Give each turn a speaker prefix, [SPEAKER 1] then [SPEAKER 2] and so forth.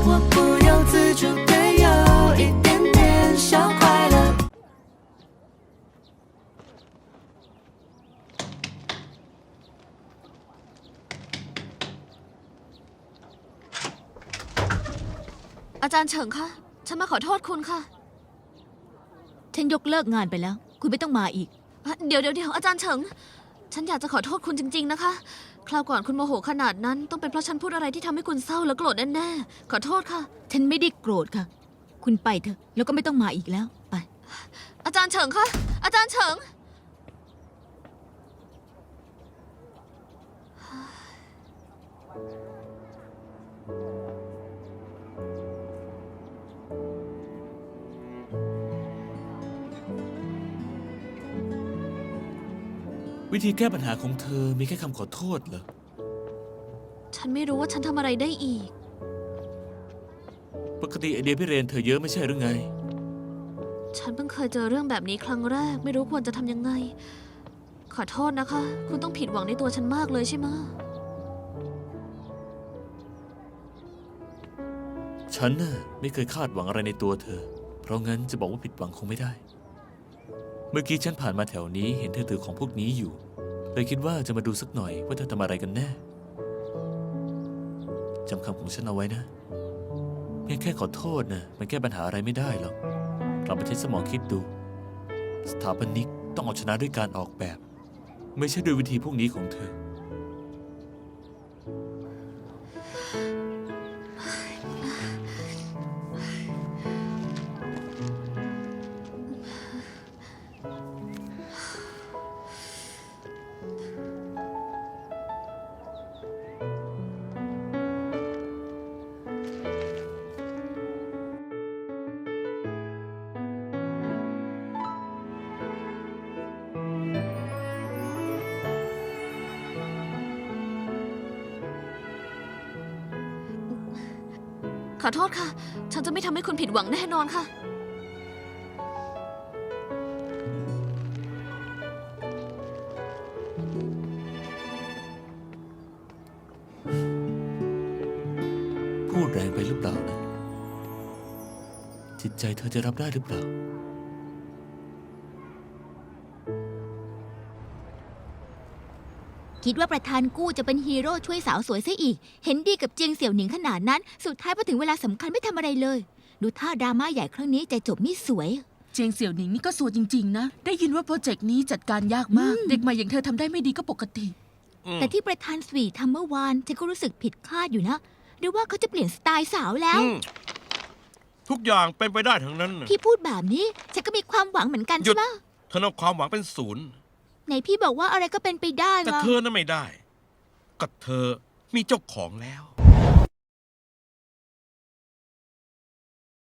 [SPEAKER 1] 我不由自主的有一点点小快乐。
[SPEAKER 2] อาจารย์เฉิงคะฉันมาขอโทษคุณค่ะ
[SPEAKER 3] ฉันยกเลิกงานไปแล้วคุณไม่ต้องมาอีก
[SPEAKER 2] เดี๋ยวอาจารย์เฉิงฉันอยากจะขอโทษคุณจริงๆนะคะคราวก่อนคุณโมโหขนาดนั้นต้องเป็นเพราะฉันพูดอะไรที่ทำให้คุณเศร้าและโกรธแน่ๆขอโทษค่ะ
[SPEAKER 3] ฉันไม่ได้โกรธค่ะคุณไปเถอะแล้วก็ไม่ต้องมาอีกแล้วไป
[SPEAKER 2] อาจารย์เฉิงคะอาจารย์เฉิง
[SPEAKER 4] วิธีแก้ปัญหาของเธอมีแค่คำขอโทษเหรอ
[SPEAKER 2] ฉันไม่รู้ว่าฉันทำอะไรได้อีก
[SPEAKER 4] ปกติไอเดียพิเรนเธอเยอะไม่ใช่หรือไง
[SPEAKER 2] ฉันเพิ่งเคยเจอเรื่องแบบนี้ครั้งแรกไม่รู้ควรจะทำยังไงขอโทษนะคะคุณต้องผิดหวังในตัวฉันมากเลยใช่ไหม
[SPEAKER 4] ฉันน่ะไม่เคยคาดหวังอะไรในตัวเธอเพราะงั้นจะบอกว่าผิดหวังคงไม่ได้เมื่อกี้ฉันผ่านมาแถวนี้เห็นเธอถือของพวกนี้อยู่เลยคิดว่าจะมาดูสักหน่อยว่าเธอทำอะไรกันแน่จำคำของฉันเอาไว้นะเพียงแค่ขอโทษนะมันแก้ปัญหาอะไรไม่ได้หรอกเราไปใช้สมองคิดดูสถาปนิกต้องเอาชนะด้วยการออกแบบไม่ใช่ด้วยวิธีพวกนี้ของเธอ
[SPEAKER 2] ขอโทษค่ะฉันจะไม่ทำให้คุณผิดหวังแน่นอนค่ะ
[SPEAKER 4] พูดแรงไปหรือเปล่านะจิตใจเธอจะรับได้หรือเปล่า
[SPEAKER 3] คิดว่าประธานกู้จะเป็นฮีโร่ช่วยสาวสวยซะอีกเห็นดีกับเจียงเสี่ยวหนิงขนาดนั้นสุดท้ายพอถึงเวลาสำคัญไม่ทำอะไรเลยดูท่าดราม่าใหญ่ครั้งนี้ใจจบไม่สวย
[SPEAKER 5] เจียงเสี่ยวหนิงนี่ก็สวยจริงๆนะได้ยินว่าโปรเจกต์นี้จัดการยากมากเด็กใหม่อย่างเธอทำได้ไม่ดีก็ปกติ
[SPEAKER 3] แต่ที่ประธานสวีทำเมื่อวานฉันก็รู้สึกผิดคาดอยู่นะหรือว่าเขาจะเปลี่ยนสไตล์สาวแล้ว
[SPEAKER 6] ทุกอย่างเป็นไปได้ทั้งนั้น
[SPEAKER 3] พี่พูดแบบนี้ฉันก็มีความหวังเหมือนกันใช่ไหม
[SPEAKER 6] เธอเอาความหวังเป็นศูนย์
[SPEAKER 3] ไหนพี่บอกว่าอะไรก็เป็นไปได้
[SPEAKER 6] แต่เธอนั้นไม่ได้ก็เธอมีเจ้าของแล้ว